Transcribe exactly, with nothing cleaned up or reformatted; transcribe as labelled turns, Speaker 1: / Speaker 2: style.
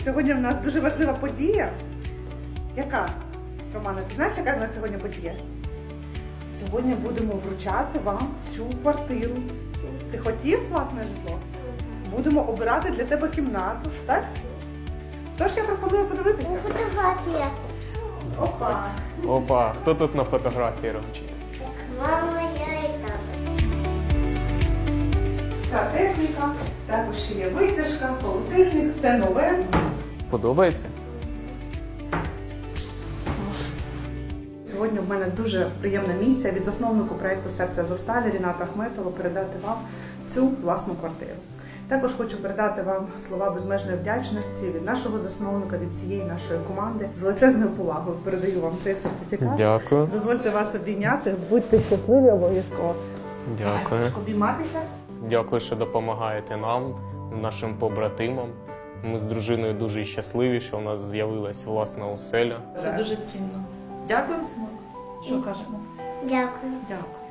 Speaker 1: Сьогодні в нас дуже важлива подія. Яка? Романа, ти знаєш, яка в нас сьогодні подія? Сьогодні будемо вручати вам цю квартиру. Ти хотів власне житло? Будемо обирати для тебе кімнату, так? Тож я пропоную подивитися.
Speaker 2: Фотографія.
Speaker 1: Опа!
Speaker 3: Опа, хто тут на фотографії робить?
Speaker 2: Мама, я і тато.
Speaker 1: Вся техніка, також ще є витяжка, холодильник, все нове.
Speaker 3: Подобається?
Speaker 1: Сьогодні в мене дуже приємна місія від засновнику проєкту «Серце Азовсталі» Ріната Ахметова передати вам цю власну квартиру. Також хочу передати вам слова безмежної вдячності від нашого засновника, від цієї нашої команди. З величезною повагою передаю вам цей сертифікат.
Speaker 3: Дякую.
Speaker 1: Дозвольте вас обійняти, будьте щасливі обов'язково.
Speaker 3: Дякую.
Speaker 1: Обійматися.
Speaker 3: Дякую, що допомагаєте нам, нашим побратимам. Ми з дружиною дуже щасливі, що у нас з'явилась власна оселя.
Speaker 1: Це дуже цінно. Дякуємо, синок. Що кажемо?
Speaker 2: Дякую.
Speaker 1: Дякую.